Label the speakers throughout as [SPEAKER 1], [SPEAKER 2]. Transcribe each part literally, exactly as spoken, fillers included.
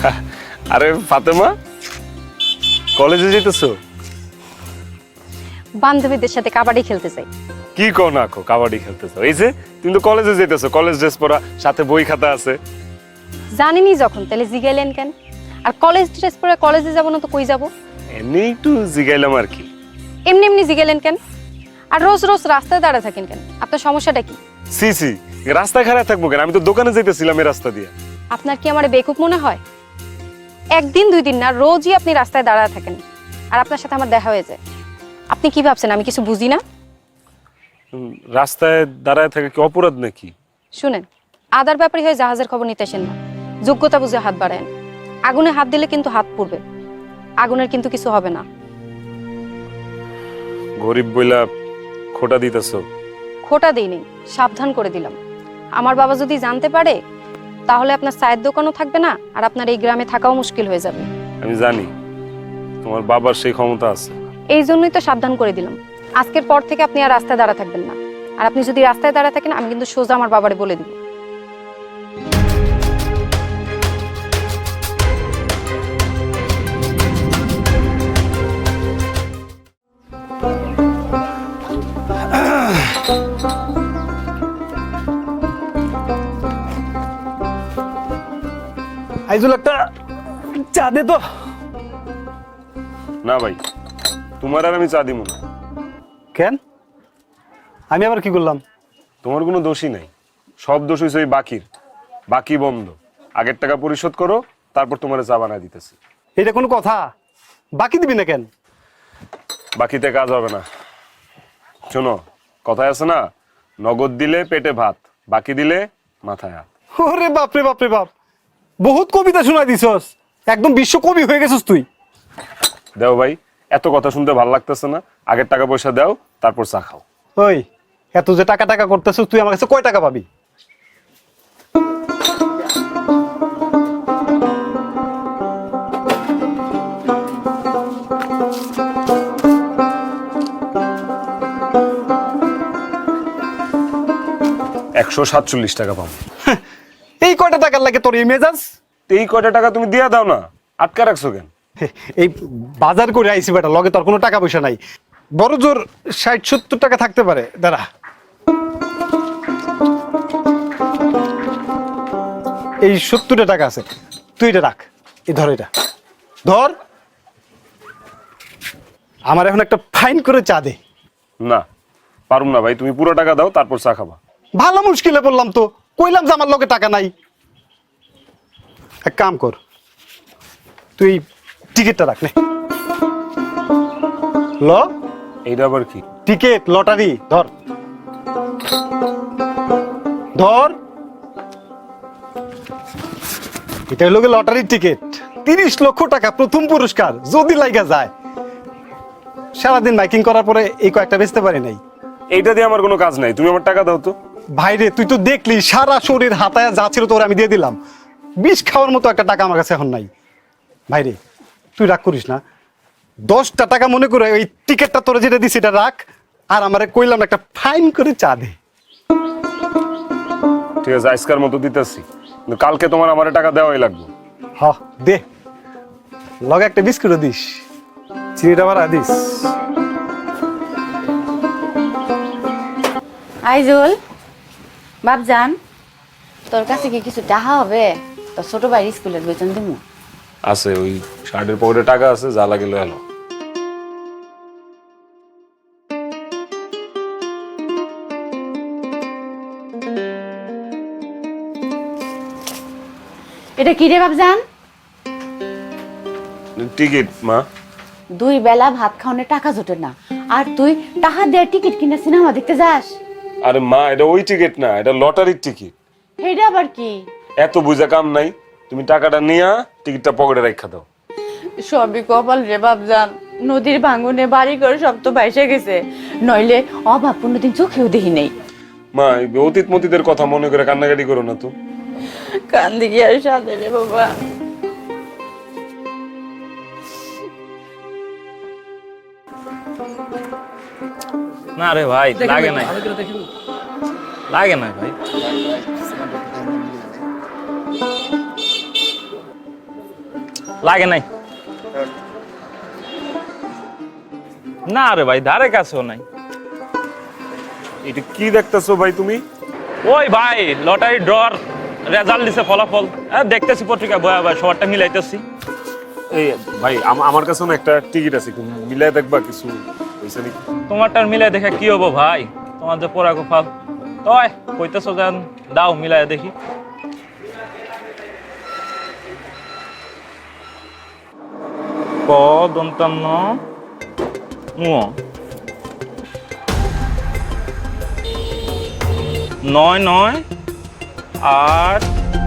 [SPEAKER 1] আরে ফাতেমা, কলেজে যেতেছো?
[SPEAKER 2] বান্ধবীদের সাথে কাবাডি খেলতে চাই।
[SPEAKER 1] কি কো না কো, কাবাডি খেলতেছো? এই যে তুমি তো কলেজে যেতেছো, কলেজ ড্রেস পরা, সাথে বই খাতা আছে।
[SPEAKER 2] জানিনি যখন, তাহলে জিগাইলেন কেন? আর কলেজ ড্রেস পরে কলেজে যাব না তো কই যাব?
[SPEAKER 1] এমনি একটু জিগাইলাম আর কি।
[SPEAKER 2] এমনি এমনি জিগাইলেন কেন? আর রোজ রোজ রাস্তায় দাঁড়া থাকেন কেন? আপনার সমস্যাটা কি?
[SPEAKER 1] সি সি, রাস্তায় খারাপ থাকবো কেন? আমি তো দোকানে যেতেছিলাম এই রাস্তা দিয়ে।
[SPEAKER 2] আপনার কি আমার বেকুব মনে হয়? একদিন দুই দিন না, রোজই আপনি রাস্তায় দাঁড়ায় থাকেন, আর আপনার সাথে আমার দেখা হয়ে যায়। আপনি কি ভাবছেন আমি কিছু বুঝি না?
[SPEAKER 1] উম, রাস্তায় দাঁড়ায় থাকা কি অপরাধ নাকি?
[SPEAKER 2] শুনেন, আদার ব্যাপারী হয়ে জাহাজের খবর নিতে আসেন না, যোগ্যতা বুঝে হাত বাড়ায়েন। আগুনে হাত দিলে কিন্তু হাত পুড়বে, আগুনের কিন্তু কিছু হবে না।
[SPEAKER 1] গরিব বইলা খোটা দিতেছো?
[SPEAKER 2] খোটা দিইনি, সাবধান করে দিলাম। আমার বাবা যদি জানতে পারে তাহলে আপনার চায়ের দোকানও থাকবে না, আর আপনার এই গ্রামে থাকাও মুশকিল হয়ে যাবে।
[SPEAKER 1] আমি জানি তোমার বাবার সেই ক্ষমতা আছে।
[SPEAKER 2] এই জন্যই তো সাবধান করে দিলাম। আজকের পর থেকে আপনি আর রাস্তায় দাঁড়া থাকবেন না, আর আপনি যদি রাস্তায় দাঁড়া থাকেন আমি কিন্তু সোজা আমার বাবারে বলে দিব।
[SPEAKER 3] আইজুল একটা চা দে তো।
[SPEAKER 1] না ভাই, তোমার আর আমি চা দিব না।
[SPEAKER 3] কেন? আমি আবার কি করলাম?
[SPEAKER 1] তোমার কোনো দোষই নাই, সব দোষ হয়েছে ওই বাকির। বাকি বন্ধ, আগের টাকা পরিশোধ করো, তারপর তোমার চা বানায় দিতেছি।
[SPEAKER 3] এটা কোনো কথা? বাকি দিবি না কেন?
[SPEAKER 1] বাকিতে কাজ হবে না। শোনো, কথায় আছে না, নগদ দিলে পেটে ভাত, বাকি দিলে মাথায় হাত।
[SPEAKER 3] ওরে বাপরে বাপরে বাপ, বহুত কবিতা শোনাই দিছস, একদম বিশ্ব কবি হয়ে গেছিস তুই।
[SPEAKER 1] দেও ভাই, এত কথা শুনতে ভালো লাগতেছে না। আগের টাকা পয়সা দাও, তারপর চা খাও।
[SPEAKER 3] ওই এত যে টাকা টাকা করতেছিস, তুই আমার কাছে কয় টাকা পাবি?
[SPEAKER 1] একশো সাতচল্লিশ টাকা পাবো।
[SPEAKER 3] এই কয়টা টাকার লাগে তোর এই মেজাজ?
[SPEAKER 1] এই কয়টা টাকা তুমি দিয়া দাও না, আটকা রাখছো কেন?
[SPEAKER 3] এই বাজার করে আইসি বেটা, লগে তোর কোনো টাকা পয়সা নাই। বড় জোর ষাট সত্তর টাকা থাকতে পারে, দাঁড়া। এই সত্তরটা টাকা আছে, তুই এটা রাখ। এই ধর, এটা ধর। আমার এখন একটা ফাইন করে চা দে।
[SPEAKER 1] না পারুম না ভাই, তুমি পুরো টাকা দাও, তারপর চা খাবা।
[SPEAKER 3] ভালো মুশকিলে পড়লাম তো, কইলাম যে আমার লগে টাকা নাই। এক কাম কর, তুই টিকিটটা রাখ নে। ল,
[SPEAKER 1] এইটা আবার কি?
[SPEAKER 3] টিকিট, লটারি, ধর ধর। এটা হলো লটারির টিকিট, তিরিশ লক্ষ টাকা প্রথম পুরস্কার। যদি লাইগা যায়, সারাদিন মাইকিং করার পরে এই কয়েকটা বেচতে পারি নাই।
[SPEAKER 1] এইটা দিয়ে আমার কোনো কাজ নাই, তুমি আমার টাকা দাও তো।
[SPEAKER 3] ভাইরে, তুই তো দেখলি সারা শরীর হাতায় যা ছিল তোর আমি দিয়ে দিলাম। বিষ খাওয়ার মতো একটা টাকা আমার কাছে এখন নাই। ভাইরে, তুই রাগ করিস না, দশটা টাকা মনে করে ওই টিকিটটা তোরা যেটা দিস এটা রাখ, আর আমারে কইলাম একটা ফাইন করে চা দে।
[SPEAKER 1] ঠিক আছে, আজকের মতো দিতেছি, কিন্তু কালকে তোমার আমার টাকা দেওয়াই লাগবে।
[SPEAKER 3] হ দে, লগে একটা বিস্কুটও দিস, চিনিটা বাড়া দিস।
[SPEAKER 4] আইজুল বাপজান, তোর কাছে কি কিছু টাকা হবে? তোর ছোট ভাই স্কুলের বেতন দিব।
[SPEAKER 1] আছে, ওই শার্টের পকেটে টাকা আছে, যা লাগে লয়ে এলো।
[SPEAKER 4] এটা কি রে বাপজান?
[SPEAKER 1] টিকিট মা।
[SPEAKER 4] দুই বেলা ভাত খাওয়ানোর টাকা জোটে না, আর তুই টাকা দিয়ে টিকিট কিনে সিনেমা দেখতে যাস?
[SPEAKER 1] আরে মা, এটা ওই টিকিট না, এটা লটারির টিকিট।
[SPEAKER 4] এটা আবার কি?
[SPEAKER 1] এত বুঝা কাম নাই, তুমি টাকাটা নিয়া টিকিটটা পকেটে রাখা দাও।
[SPEAKER 4] সবই কপাল রে বাপজান, নদীর ভাঙনে বাড়ি করে সব তো ভাইসে গেছে, নইলে অভাব কোনোদিন চোখেও দেখি নেই।
[SPEAKER 1] মা, এই অতীত মতীতের কথা মনে করে কান্নাকাটি করো না তো।
[SPEAKER 4] কান্দি কি আর সাথে রে বাবা।
[SPEAKER 5] না রে ভাই, লাগে না, লাগে না ভাই। লাগে নাই না রে ভাই, ধারে কাছেও নাই।
[SPEAKER 1] এটা কি দেখতেছো ভাই তুমি?
[SPEAKER 5] ওই ভাই লটারি ড্রর রেজাল্ট দিছে, ফলাফল দেখতেছি পত্রিকা বয়া ভাই, সবারটা মিলাইতেছি।
[SPEAKER 1] এই ভাই আম- আমার কাছে না একটা টিকিট আছে, একটু মিলাই দেখবা কিছু হইছে নাকি?
[SPEAKER 5] তোমারটার মিলাই দেখে কি হবো ভাই, তোমার যে পোড়া গোপাল। তয় কইতেছো যেন দাও মিলাই দেখি। ক দন্তান্ন নুয় নয় নয় আট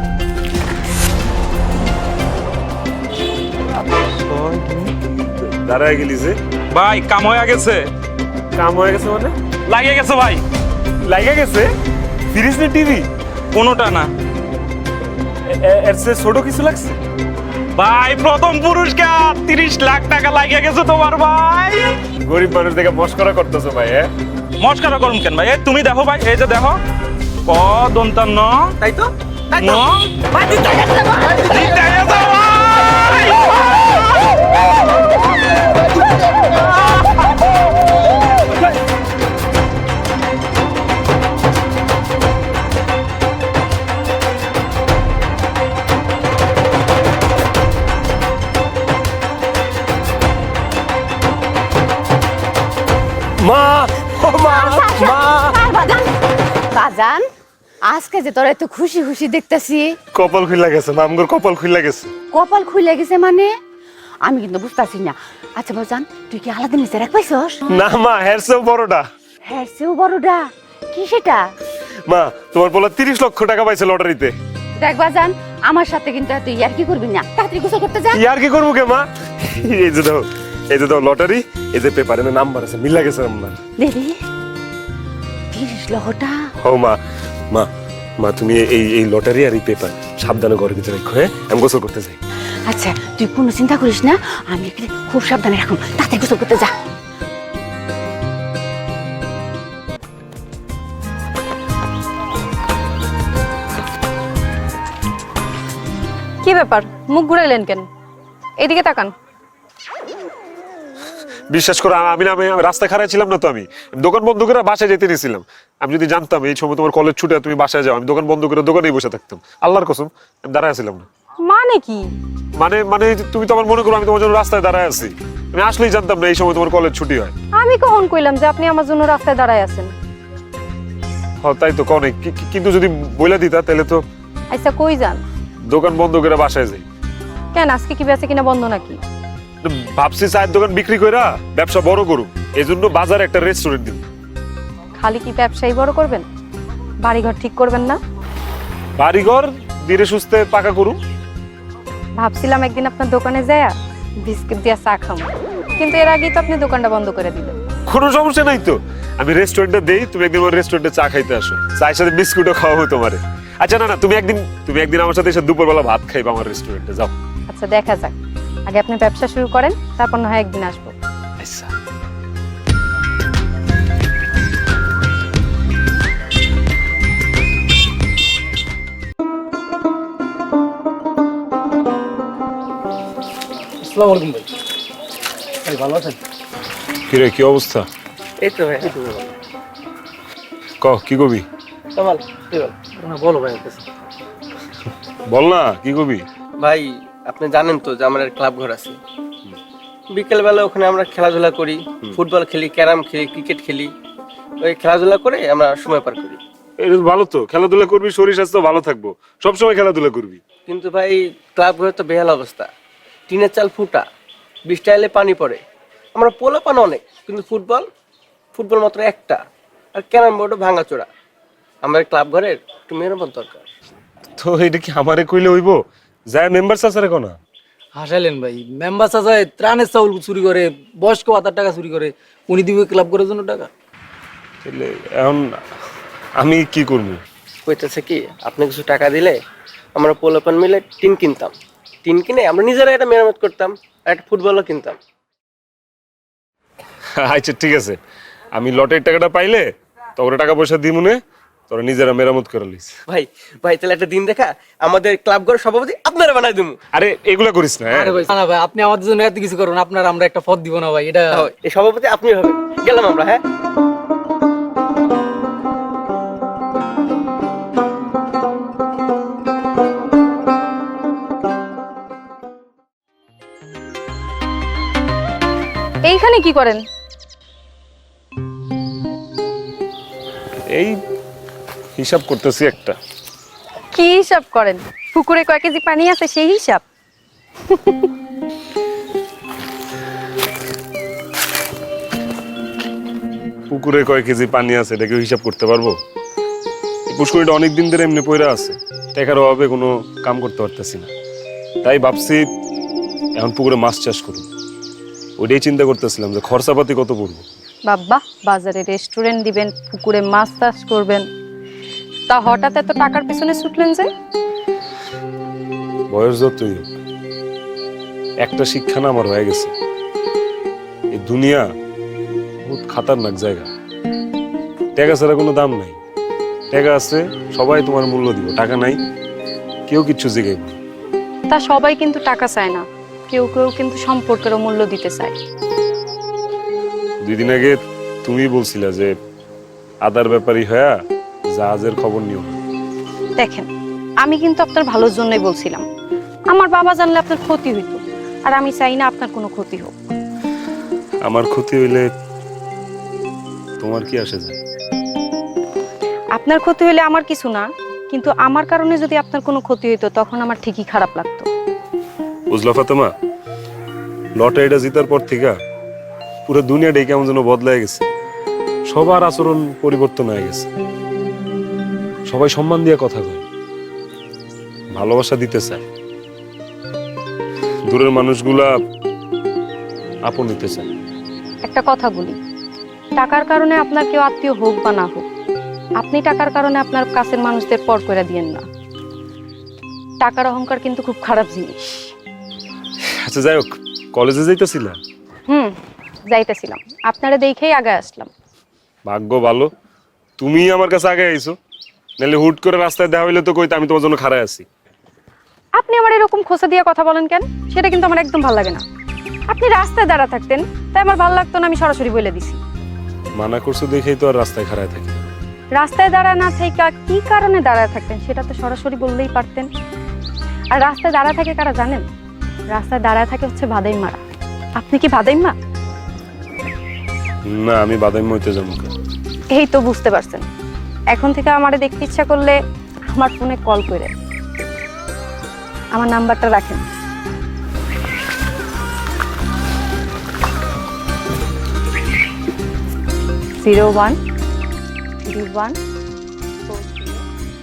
[SPEAKER 1] দাঁড়ায় গেলি যে?
[SPEAKER 5] ভাই কাম হয়ে গেছে।
[SPEAKER 1] কাম হয়ে গেছে মানে?
[SPEAKER 5] লাগিয়ে গেছে ভাই।
[SPEAKER 1] লাগে গেছে? ফ্রিজ না টিভি?
[SPEAKER 5] কোনোটা না
[SPEAKER 1] এর চেয়ে ছোট কিছু লাগছে?
[SPEAKER 5] ভাই, প্রথম পুরস্কার তিরিশ লাখ টাকা লাগিয়ে গেছে তোমার ভাই।
[SPEAKER 1] গরিব মানুষ দেখে মস্করা করতেছো ভাই। হ্যাঁ
[SPEAKER 5] মস্কারা করুন কেন ভাই? এই তুমি দেখো ভাই, এই যে দেখো ক দন্তান্ন
[SPEAKER 6] তাই তো তাই
[SPEAKER 5] ন
[SPEAKER 6] তো ভাই জিতে গেছে ভাই।
[SPEAKER 5] জিতে গেছে ভাই।
[SPEAKER 1] মা, ও মা, মা।
[SPEAKER 4] বাজান বাজান আজকে যে তোরা এত খুশি খুশি দেখতেছি,
[SPEAKER 1] কপাল খুইলা গেছে, মামগর কপাল খুইলা গেছে।
[SPEAKER 4] কপাল খুলে গেছে মানে আমি কিন্তু বুঝতেছি না। আচ্ছা বাজান, তুই কি আলাদা নিচে রাখ পাইছস?
[SPEAKER 1] না মা, হের চেয়েও বড়টা।
[SPEAKER 4] হ্যাঁ সেও বড়টা। কি সেটা?
[SPEAKER 1] মা, তোমার বলা তিরিশ লক্ষ টাকা পাইছে লটারিতে।
[SPEAKER 4] দেখ বাজান, আমার সাথে কিন্তু তুই আর কি করবি না, তাড়াতাড়ি গোসল করতে যা।
[SPEAKER 1] ইয়ার কি করবো কে মা? এই যে দাও, এই যে দাও লটারি, এই যে পেপারে নাম্বার আছে, মিলা গেছে আপনার।
[SPEAKER 4] দেরি তিরিশ লক্ষটা।
[SPEAKER 1] ও মা, মা, মা তুমি এই এই লটারি আর এই পেপার সাবধানে ঘরের ভিতরে রাখো। হ্যাঁ, আমি গোসল করতে যাই।
[SPEAKER 4] আচ্ছা তুই কোনো চিন্তা করিস না, আমি এখানে খুব সাবধানে রাখুন, তাড়াতাড়ি গোসল করতে যা।
[SPEAKER 2] কি ব্যাপার, মুখ ঘুরাইলেন কেন? এদিকে তাকান।
[SPEAKER 1] বিশ্বাস করো, আমি না আমি রাস্তায় খাড়াই ছিলাম না তো, আমি দোকান বন্ধ করে বাসায় যেতে নিয়েছিলাম। আমি যদি জানতাম এই সময় তোমার কলেজ ছুটে তুমি বাসায় যাও, আমি দোকান বন্ধ করে দোকানেই বসে থাকতাম। আল্লাহর কসম, আমি দাঁড়ায় ছিলাম না।
[SPEAKER 2] মানে কি?
[SPEAKER 1] মানে মানে তুমি তো আমার মনে করো আমি তোমার জন্য রাস্তায় দাঁড়ায় আছি। আমি আসলেই জানতাম না এই সময় তোমার কলেজ ছুটি হয়।
[SPEAKER 2] আমি কখন কইলাম যে আপনি আমার জন্য রাস্তায় দাঁড়ায় আছেন?
[SPEAKER 1] হ্যাঁ তাই তো কও নাই, কি- কি- কিন্তু যদি বইলা দিতা তাহলে তো
[SPEAKER 2] আচ্ছা কই যান?
[SPEAKER 1] দোকান বন্ধ করে বাসায় যাই।
[SPEAKER 2] কেন, আজকে কি বেচে কিনা বন্ধ নাকি?
[SPEAKER 1] ভাবছি চায়ের দোকান বিক্রি কইরা ব্যবসা বড় করুম, এই জন্য বাজারে একটা রেস্টুরেন্ট দিব।
[SPEAKER 2] খালি কি ব্যবসায়ী বড় করবেন, বাড়িঘর ঠিক করবেন না?
[SPEAKER 1] বাড়িঘর ধীরে সুস্থে পাকা করুম।
[SPEAKER 2] ভাবছিলাম একদিন আপনার দোকানে যায়া বিস্কিট দিয়া চা খাম, কিন্তু এর আগেই তো আপনি দোকানটা বন্ধ করে দিলেন।
[SPEAKER 1] কোনো সমস্যা নাই তো, আমি রেস্টুরেন্টে দেই, তুমি একদিন আমার রেস্টুরেন্টে চা খাইতে আসো, চায়ের সাথে বিস্কুটও খাওয়াবো তোমারে। আচ্ছা না না, তুমি একদিন তুমি একদিন আমার সাথে এসে দুপুরবেলা ভাত খাইবা আমার রেস্টুরেন্টে, যাও।
[SPEAKER 2] আচ্ছা দেখা যাক, আগে আপনি ব্যবসা শুরু করেন, তারপর না হয় একদিন আসবো।
[SPEAKER 1] আচ্ছা।
[SPEAKER 6] আসসালামু আলাইকুম ভাই। ভাই ভালো আছেন?
[SPEAKER 1] কিরে, কি অবস্থা?
[SPEAKER 6] এই তো ভাই, এই তো ভাই।
[SPEAKER 1] ক কি কবি?
[SPEAKER 6] কামাল কি বল? না বলো ভাই কাছে।
[SPEAKER 1] বল না, কি কবি?
[SPEAKER 7] ভাই আপনি জানেন তো যে আমার ক্লাব ঘর আছে, বিকেল বেলা ওখানে আমরা খেলাধুলা করি, ফুটবল খেলি, ক্যারাম খেলি, ক্রিকেট খেলি। ওই খেলাধুলা করে আমরা সময় পার করি।
[SPEAKER 1] এটা তো ভালো, তো খেলাধুলা করবি, শরীর স্বাস্থ্য ভালো থাকবো, সবসময় খেলাধুলা করবি।
[SPEAKER 7] কিন্তু ভাই ক্লাব ঘরে তো বেহাল অবস্থা, টিনের চাল ফুটা, বৃষ্টি এলে পানি পড়ে। আমরা পোলা পান অনেক, কিন্তু ফুটবল ফুটবল মাত্র একটা, আর ক্যারাম বোর্ডও ভাঙাচোরা। আমার ক্লাব ঘরের একটু মেরামত দরকার।
[SPEAKER 1] তো এটা কি আমারে কইলে হইব? যায় মেম্বার চাচারে কোনা?
[SPEAKER 6] হাসাইলেন ভাই, মেম্বার চাচায় ত্রাণের চাউল চুরি করে, বয়স্ক ভাতার টাকা চুরি করে, উনি দিবে ক্লাব করার জন্য টাকা।
[SPEAKER 1] তাহলে এখন আমি কি করবো?
[SPEAKER 7] কইতেছে কি, আপনি কিছু টাকা দিলে আমরা পোলাপান মিলে টিন কিনতাম, টিন কিনে আমরা নিজেরা এটা মেরামত করতাম, আর একটা ফুটবলও কিনতাম।
[SPEAKER 1] আচ্ছা ঠিক আছে, আমি লটের টাকাটা পাইলে তো ওরা টাকা পয়সা দিই মনে, তোরা নিজেরা মেরামত করে লিস।
[SPEAKER 7] ভাই ভাই তাহলে একটা দিন দেখা আমাদের ক্লাব ঘরের সভাপতি আপনারা বানাই দেবো।
[SPEAKER 1] আরে এগুলা করিস না, হ্যাঁ?
[SPEAKER 6] আরে ভাই না ভাই, আপনি আমাদের জন্য এত কিছু করুন, আপনার আমরা একটা পদ দিব না ভাই, এটা
[SPEAKER 7] এই সভাপতি আপনি হবেন। গেলাম আমরা, হ্যাঁ।
[SPEAKER 2] এইখানে কি করেন?
[SPEAKER 1] এই হিসাব করতেছি একটা।
[SPEAKER 2] কি হিসাব করেন? পুকুরে কয় কেজি পানি আছে সেই হিসাব?
[SPEAKER 1] পুকুরে কয় কেজি পানি আছে এটা কেউ হিসাব করতে পারবো? এই পুষ্করিটা অনেক দিন ধরে এমনি পয়রা আছে, টাকার অভাবে কোনো কাম করতে পারতেছি না। তাই ভাবছি এখন পুকুরে মাছ চাষ করুন। ওইটাই চিন্তা করতেছিলাম যে খরচাপাতি কত পড়বো।
[SPEAKER 2] বাবা, বাজারে রেস্টুরেন্ট দিবেন, পুকুরে মাছ চাষ করবেন, তা হঠাৎ এত টাকার পিছনে ছুটলেন যে?
[SPEAKER 1] বয়স যতই হোক, একটা শিক্ষা না আমার হয়ে গেছে, এই দুনিয়া বহুত খাতারনাক জায়গা। টাকা ছাড়া কোনো দাম নাই। টাকা আছে সবাই তোমার মূল্য দিব, টাকা নাই কেউ কিচ্ছু জিগাইব না।
[SPEAKER 2] তা সবাই কিন্তু টাকা চায় না, কেউ কেউ কিন্তু সম্পর্কেরও মূল্য দিতে চায়।
[SPEAKER 1] দুই দিন আগে তুমি বলছিলা যে আদার ব্যাপারী হয়া জাহাজের খবর নিও না।
[SPEAKER 2] দেখেন, আমি কিন্তু আপনার ভালোর জন্যই বলছিলাম। আমার বাবা জানলে আপনার ক্ষতি হইতো, আর আমি চাই না আপনার কোনো ক্ষতি হোক।
[SPEAKER 1] আমার ক্ষতি হইলে তোমার কি আসে যায়?
[SPEAKER 2] আপনার ক্ষতি হইলে আমার কিছু না, কিন্তু আমার কারণে যদি আপনার কোনো ক্ষতি হইতো তখন আমার ঠিকই খারাপ লাগতো।
[SPEAKER 1] বুঝলা ফাতেমা, লটারিটা জিতার পর থেকে পুরো দুনিয়াটাই কেমন যেন বদলায় গেছে। সবার আচরণ পরিবর্তন হয়ে গেছে। সবাই সম্মান দিয়ে কথা কয়, ভালোবাসা দিতে চায়। দূরের মানুষগুলা আপন নিতে চায়।
[SPEAKER 2] একটা কথা বলি, টাকার কারণে আপনার কেউ আত্মীয় হোক বা না হোক, আপনি টাকার কারণে আপনার কাছের মানুষদের পর করে দিয়েন না। টাকার অহংকার কিন্তু খুব খারাপ জিনিস।
[SPEAKER 1] আচ্ছা যাই হোক, কলেজে যাইতেছিলা?
[SPEAKER 2] হুম, যাইতেছিলাম, আপনারা দেখেই আগে আসলাম।
[SPEAKER 1] ভাগ্য ভালো তুমি আমার কাছে আগে আইছো, নাহলে হুট করে রাস্তায় দেখা হইলে তো কইতে আমি তোমার জন্য খাড়ায় আছি।
[SPEAKER 2] আপনি আমার এরকম খোসা দিয়ে কথা বলেন কেন? সেটা কিন্তু আমার একদম ভালো লাগে না। আপনি রাস্তায় দাঁড়া থাকতেন, তাই আমার ভালো লাগতো না, আমি সরাসরি বলে দিছি।
[SPEAKER 1] মানা করছো দেখেই তো আর রাস্তায় খাড়ায় থাকি।
[SPEAKER 2] রাস্তায় দাঁড়া না থেকে কি কারণে দাঁড়ায় থাকতেন সেটা তো সরাসরি বললেই পারতেন। আর রাস্তায় দাঁড়া থাকে কারা জানেন? রাস্তায় দাঁড়ায় থাকে হচ্ছে বাদাইমারা। আপনি কি বাদাইমা?
[SPEAKER 1] না, আমি বাদাম হইতে যাবো।
[SPEAKER 2] এই তো বুঝতে পারছেন। এখন থেকে আমারে দেখতে ইচ্ছা করলে আমার ফোনে কল করে আমার নাম্বারটা রাখেন। Zero one three one four zero.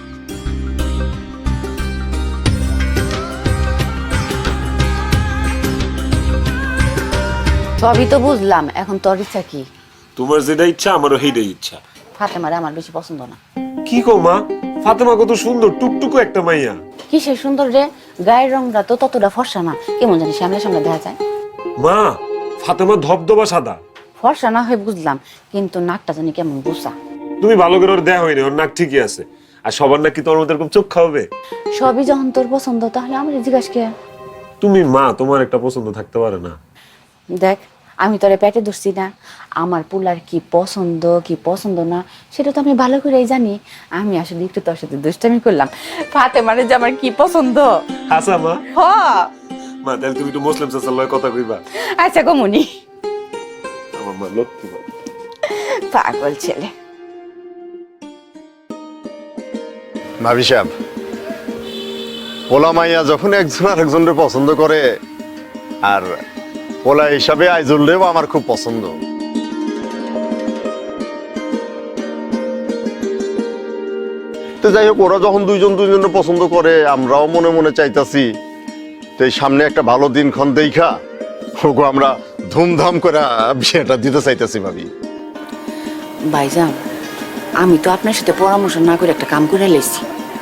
[SPEAKER 8] সবই তো বুঝলাম, এখন তোর ইচ্ছা কি?
[SPEAKER 1] তোমার যেটা ইচ্ছা আমারও সেইটাই ইচ্ছা।
[SPEAKER 8] ফাতেমারে আমার বেশি পছন্দ না।
[SPEAKER 1] কি কো মা, ফাতেমা কত সুন্দর, টুকটুকু একটা মাইয়া।
[SPEAKER 8] কিসের সুন্দর রে, গায়ের রংটা তো ততটা ফর্সা না, কেমন জানি সামনে সামনে দেখা যায়।
[SPEAKER 1] মা, ফাতেমা ধবধবা সাদা।
[SPEAKER 8] ফর্সা না হয় বুঝলাম, কিন্তু নাকটা জানি কেমন বুসা।
[SPEAKER 1] তুমি ভালো করে ওর দেয়া হয়নি, ওর নাক ঠিকই আছে। আর সবার নাক কি তোমার মতো এরকম চোখ খাওয়াবে?
[SPEAKER 8] সবই যখন তোর পছন্দ, তাহলে আমার জিজ্ঞাসা কে?
[SPEAKER 1] তুমি মা, তোমার একটা পছন্দ থাকতে পারে না?
[SPEAKER 8] দেখ, আমি তোরে পেটে ধরছি না, আমার পুলার কি পছন্দ কি পছন্দ না সেটা তো আমি ভালো করেই জানি। আমি আসলে একটু তোর সাথে দুষ্টামি করলাম। ফাতেমারে যে আমার কি পছন্দ।
[SPEAKER 1] আচ্ছা মা,
[SPEAKER 8] হ
[SPEAKER 1] মা তাহলে তুমি একটু মুসলিম চাচার লয় কথা কইবা।
[SPEAKER 8] আচ্ছা গমনি,
[SPEAKER 1] আমার মা লক্ষ্মী মা।
[SPEAKER 8] পাগল ছেলে।
[SPEAKER 9] ভাবি সাহেব, পোলা মাইয়া যখন একজন আরেকজনের পছন্দ করে, আর পোলা হিসাবে আইজুলরেও আমার খুব পছন্দ। তো যাই হোক, ওরা যখন দুইজন দুইজনের পছন্দ করে, আমরাও মনে মনে চাইতাছি তো এই সামনে একটা ভালো দিনক্ষণ দেখা ওগো আমরা ধুমধাম করে বিয়েটা দিতে চাইতেছি ভাবি।
[SPEAKER 8] ভাইজান, আমি তো আপনার সাথে পরামর্শ না করে একটা কাম করে লেছি।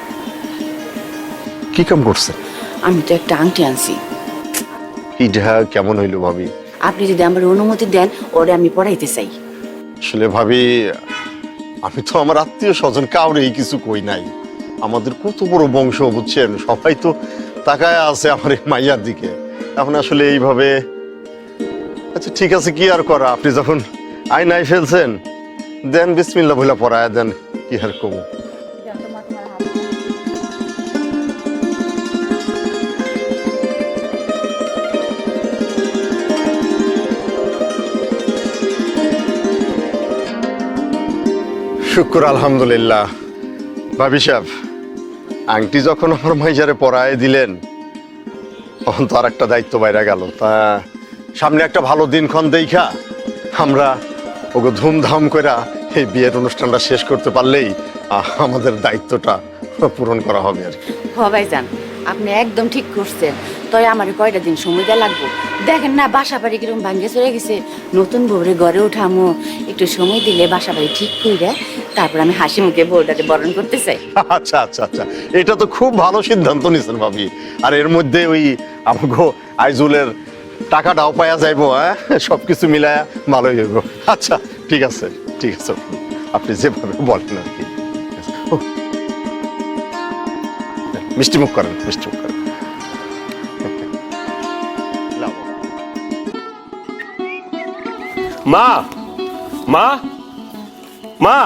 [SPEAKER 9] কি কাম করছে?
[SPEAKER 8] আমি তো একটা আংটি আনছি।
[SPEAKER 9] এটা কেমন হইলো ভাবি?
[SPEAKER 8] আপনি যদি আমার অনুমতি দেন, ওরে আমি পড়াইতে চাই।
[SPEAKER 9] আসলে ভাবি, আমি তো আমার আত্মীয় স্বজন কাউরেই কিছু কই নাই। আমাদের কত বড় বংশ বুঝছেন, সবাই তো তাকায় আছে আমার এই মাইয়ার দিকে। এখন আসলে এইভাবে, আচ্ছা ঠিক আছে, কি আর করা, আপনি যখন আয়নায় ফেলছেন দেন বিসমিল্লাহ বলে পড়ায় দেন, কি আর কমু। শুক্র আলহামদুলিল্লাহ। ভাবি সাহেব, আংটি যখন আমার মাইজারে পরায় দিলেন তখন তো আর একটা দায়িত্ব বাইরে গেল। তা সামনে একটা ভালো দিনক্ষণ দেখা আমরা ওকে ধুমধাম করে এই বিয়ের অনুষ্ঠানটা শেষ করতে পারলেই আহ, আমাদের দায়িত্বটা পূরণ করা হবে আর কি।
[SPEAKER 8] হবাই যান, আপনি একদম ঠিক করছেন। তবে আমার কয়টা দিন সময় দেওয়া লাগবো। দেখেন না বাসা বাড়ি কিরকম ভাঙ্গে চলে গেছে, নতুন বউরে ঘরে উঠামো, একটু সময় দিলে বাসা বাড়ি ঠিক করে তারপর আমি হাসি মুখে বউটাকে বরণ করতে চাই।
[SPEAKER 9] আচ্ছা আচ্ছা আচ্ছা, এটা তো খুব ভালো সিদ্ধান্ত নিয়েছেন ভাবি। আর এর মধ্যে ওই আমাকে আইজুলের টাকাটাও পাওয়া যাইবো, হ্যাঁ সবকিছু মিলায়া ভালোই হইব। আচ্ছা ঠিক আছে ঠিক আছে, আপনি যেভাবে বলেন আর কি। ও, মিষ্টি মুখ করেন, মিষ্টি মুখ করেন।
[SPEAKER 1] মা মা মা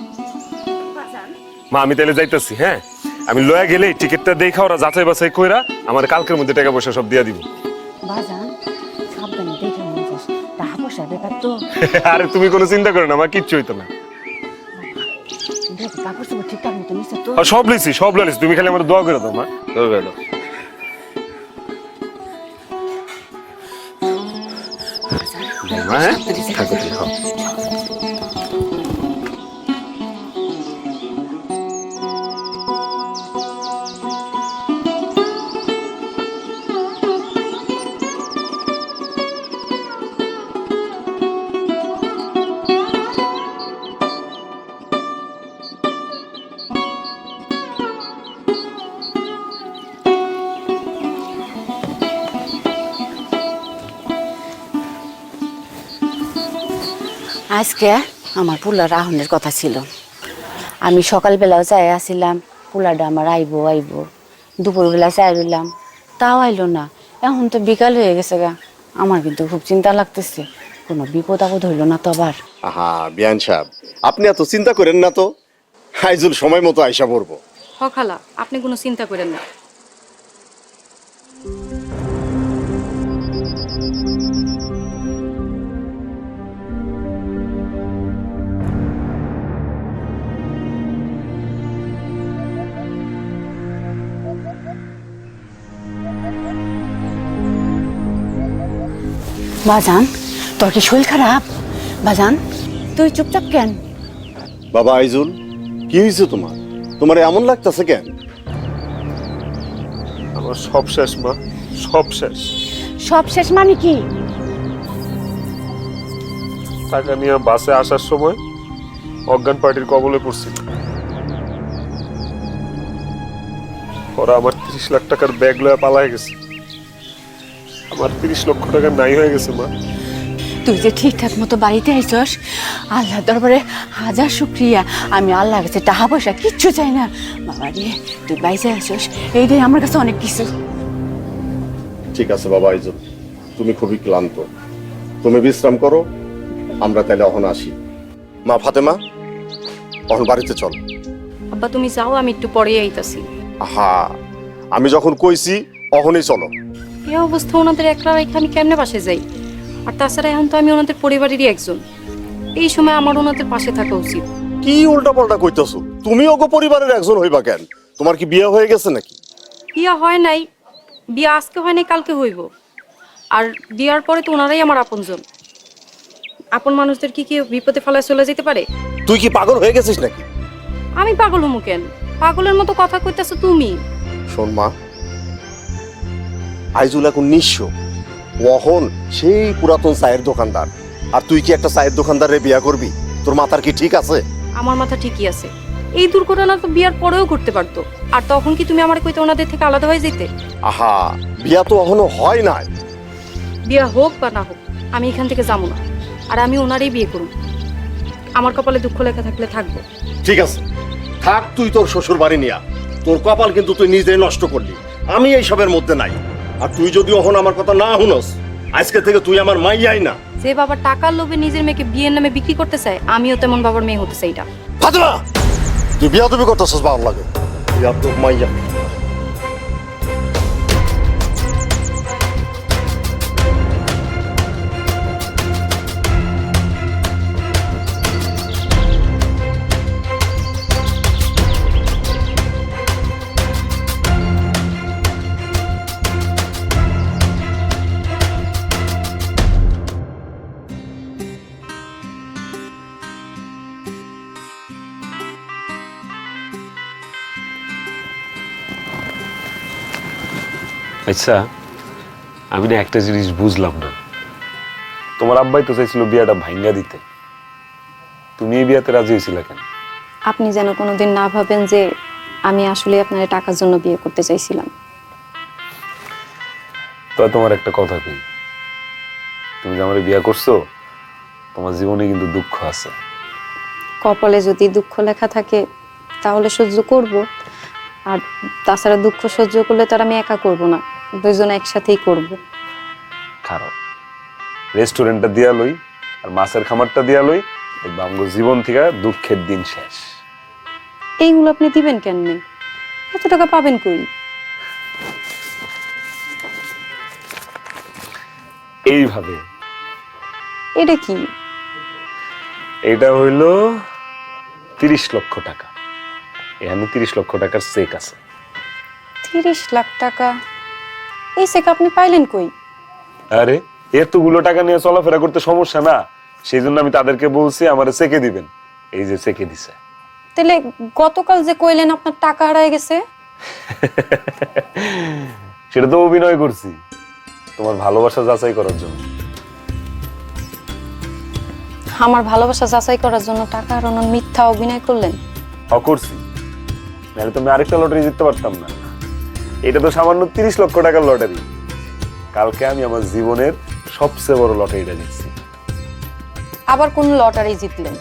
[SPEAKER 1] মা আমি তাহলে যাইতেছি। হ্যাঁ, আমি লয়া গেলে টিকিটটা দেখা ওরা যাচাই বাছাই কইরা আমার কালকের মধ্যে টাকা পয়সা সব দিয়া দিব।
[SPEAKER 8] বাজান সাবধানে দেখে মনে যাস, টাকা পয়সার ব্যাপার তো।
[SPEAKER 1] আরে তুমি কোনো চিন্তা করো না, আমার কিচ্ছু হইতো না।
[SPEAKER 8] দেখ কাপড় চোপড় ঠিকঠাক মতো নিচ্ছে তো?
[SPEAKER 1] আর সব লিছি সব লিছি, তুমি খালি আমার দোয়া করে দাও মা, দোয়া করে দাও। মা, হ্যাঁ? থাকো তুমি, খাও।
[SPEAKER 8] আজকে আমার পোলার আহনের কথা ছিল। আমি সকালবেলাও চাই আসিলাম পোলাটা আমার আইবো আইবো, দুপুরবেলা চাই রইলাম, তাও আইলো না। এখন তো বিকাল হয়ে গেছে গা, আমার কিন্তু খুব চিন্তা লাগতেছে, কোনো বিপদ আপদ হইলো না তো আবার।
[SPEAKER 9] আহা বিয়ান সাহেব, আপনি এত চিন্তা করেন না তো, আইজুল সময় মতো আইসা পড়বো।
[SPEAKER 2] হ খালা, আপনি কোনো চিন্তা করেন না।
[SPEAKER 8] বাজান তোর কি শরীর খারাপ? বাজান তুই চুপচাপ কেন?
[SPEAKER 9] বাবা আইজুল, কি হয়েছে তোমার? তোমার এমন লাগতেছে কেন?
[SPEAKER 1] আমার সব শেষ মা, সব শেষ।
[SPEAKER 8] সব শেষ মানে কি?
[SPEAKER 1] টাকা নিয়ে বাসে আসার সময় অজ্ঞান পার্টির কবলে পড়ছিল। ওরা আমার তিরিশ লাখ টাকার ব্যাগ লয়ে পালায় গেছে। আমার তিরিশ লক্ষ টাকা নাই হয়ে গেছে মা।
[SPEAKER 8] তুই যে ঠিকঠাক মতো বাড়িতে আইসস, আল্লাহ দরবারে হাজার শুক্রিয়া। আমি আল্লাহর কাছে টাকা পয়সা কিচ্ছু চাই না। বাবা রে, তুই বাইসে আইসস, এইটাই আমার কাছে অনেক কিছু।
[SPEAKER 9] ঠিক আছে বাবা আইজুল, তুমি খুবই ক্লান্ত, তুমি বিশ্রাম করো, আমরা তাহলে অহন আসি। মা ফাতেমা, অহন বাড়িতে চল।
[SPEAKER 2] আব্বা তুমি যাও, আমি একটু পরে আইতাছি।
[SPEAKER 9] আহা, আমি যখন কইছি অহনই চলো।
[SPEAKER 2] এই অবস্থা ওনাদের একলা রেখে আমি কেমনে পাশে যাই? আর তাছাড়া এখন তো আমি ওনাদের পরিবারেরই একজন। এই সময় আমার ওনাদের পাশে থাকা উচিত।
[SPEAKER 9] কি উল্টা পাল্টা কইতাছো? তুমি ওগো পরিবারের একজন হইবা কেন? তোমার কি বিয়ে হয়ে গেছে নাকি?
[SPEAKER 2] বিয়া হয় নাই, বিয়া আজকে হয় নাই, কালকে হইব। আর বিয়ার পরে তো ওনারাই আমার আপনজন। আপন মানুষদের কি কি বিপদে ফেলায় চলে যেতে পারে?
[SPEAKER 9] তুই কি পাগল হয়ে গেছিস নাকি?
[SPEAKER 2] আমি পাগল হমু কেন? পাগলের মতো কথা কইতাছো তুমি।
[SPEAKER 9] শোন মা, আইজুল এখন নিঃস্ব, ওহন সেই পুরাতন চায়ের দোকানদার, আর তুই কি একটা চায়ের দোকানদারে বিয়া করবি? তোর মাথার কি ঠিক আছে?
[SPEAKER 2] আমার মাথা ঠিকই আছে। এই দুর্ঘটনা তো বিয়ার পরেও ঘটতে পারতো। আর তখন কি তুমি আমার কইতে ওনাদের থেকে আলাদা হয়ে যেতে?
[SPEAKER 9] আহা, বিয়া তো এখনো হয় নাই।
[SPEAKER 2] বিয়া হোক বা না হোক, আমি এখান থেকে যাবো না। আর আমি ওনারই বিয়ে করব। আমার কপালে দুঃখ লেখা থাকলে থাকবো।
[SPEAKER 9] ঠিক আছে, থাক তুই তোর শ্বশুর বাড়ি নিয়া। তোর কপাল কিন্তু তুই নিজেই নষ্ট করলি, আমি এইসবের মধ্যে নাই। আর তুই যদি ওহন আমার কথা না শুনস, আজকে থেকে তুই আমার মাইয়াই না।
[SPEAKER 2] যে বাবা টাকার লোভে নিজের মেয়েকে বিয়ের নামে বিক্রি করতে চায়, আমিও তেমন বাবার মেয়ে হতে চাই না।
[SPEAKER 9] ফাতেমা, তুই বিয়া তুমি করতেছস ভালো লাগে, বিয়া তোর মাইয়া।
[SPEAKER 1] আচ্ছা, আমি না একটা জিনিস বুঝলাম না। তোমার আব্বাই তো চাইছিল বিয়াটা ভাঙ্গা দিতে, তুমি এই বিয়াতে রাজি হয়েছিলে কেন?
[SPEAKER 2] আপনি যেন কোনোদিন না ভাবেন যে আমি আসলে আপনার টাকার জন্য বিয়ে করতে চাইছিলাম।
[SPEAKER 1] তো তোমার একটা কথা কি, তুমি যে আমার বিয়া করছো, তোমার জীবনে কিন্তু দুঃখ আছে।
[SPEAKER 2] কপালে যদি দুঃখ লেখা থাকে তাহলে সহ্য করব, আর তাছাড়া দুঃখ সহ্য করলে তো আর আমি একা করব না, দুইজনে একসাথেই করব।
[SPEAKER 1] খারাপ রেস্টুরেন্টটা দিয়া লই আর মাছের খামারটা দিয়া লই, দেখবা আমগো জীবন থেকে দুঃখের দিন শেষ।
[SPEAKER 2] এইগুলো আপনি দিবেন কেননে? এত টাকা পাবেন কই?
[SPEAKER 1] এইভাবে।
[SPEAKER 2] এটা কি?
[SPEAKER 1] এটা হইল তিরিশ লক্ষ টাকা। এখানে তিরিশ লক্ষ টাকার চেক আছে।
[SPEAKER 2] তিরিশ লাখ টাকা? এই চেক আপনি পাইলেন কই?
[SPEAKER 1] আরে এতগুলো টাকা নিয়ে চলাফেরা করতে সমস্যা না, সেই জন্য আমি তাদেরকে বলছি আমার চেকে দিবেন। এই যে চেকে দিছে।
[SPEAKER 2] তাহলে গতকাল যে কইলেন আপনার টাকা হারায় গেছে?
[SPEAKER 1] সেটা তো অভিনয় করছি তোমার ভালোবাসা যাচাই করার জন্য।
[SPEAKER 2] আমার ভালোবাসা যাচাই করার জন্য টাকা হারানোর মিথ্যা অভিনয় করলেন?
[SPEAKER 1] হ করছি, নাহলে তো আমি আরেকটা লটারি জিততে পারতাম না। এটা তো সামান্য তিরিশ লক্ষ টাকার লটারি। কালকে আমি আমার জীবনের সবচেয়ে বড় লটারিটা জিতছি।
[SPEAKER 2] আবার কোন লটারি জিতলেন?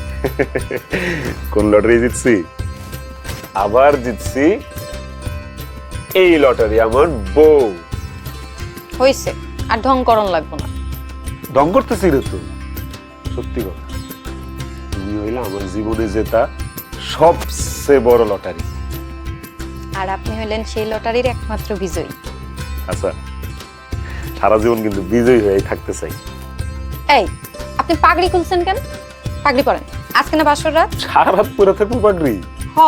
[SPEAKER 1] কোন লটারি জিতছি? আবার জিতছি এই লটারি, আমার বউ।
[SPEAKER 2] হইছে, আর ঢং করণ লাগবো না।
[SPEAKER 1] ঢং করতেছি রে তো, সত্যি কথা। তুমি হইলে আমার জীবনে জেতা সবচেয়ে বড় লটারি,
[SPEAKER 2] আর আপনি হইলেন সেই লটারির একমাত্র বিজয়ী।
[SPEAKER 1] আচ্ছা, সারা জীবন কিন্তু বিজয়ী হয়ে থাকতে চাই।
[SPEAKER 2] এই, আপনি পাগড়ি খুলছেন কেন? পাগড়ি পরেন, আজকে না বাসর রাত।
[SPEAKER 1] সারা রাত পরে থাকবো পাগড়ি?
[SPEAKER 2] হ,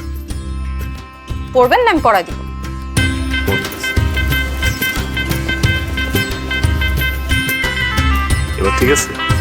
[SPEAKER 2] পরবেন না আমি পরাই দিব।
[SPEAKER 1] এবার ঠিক আছে?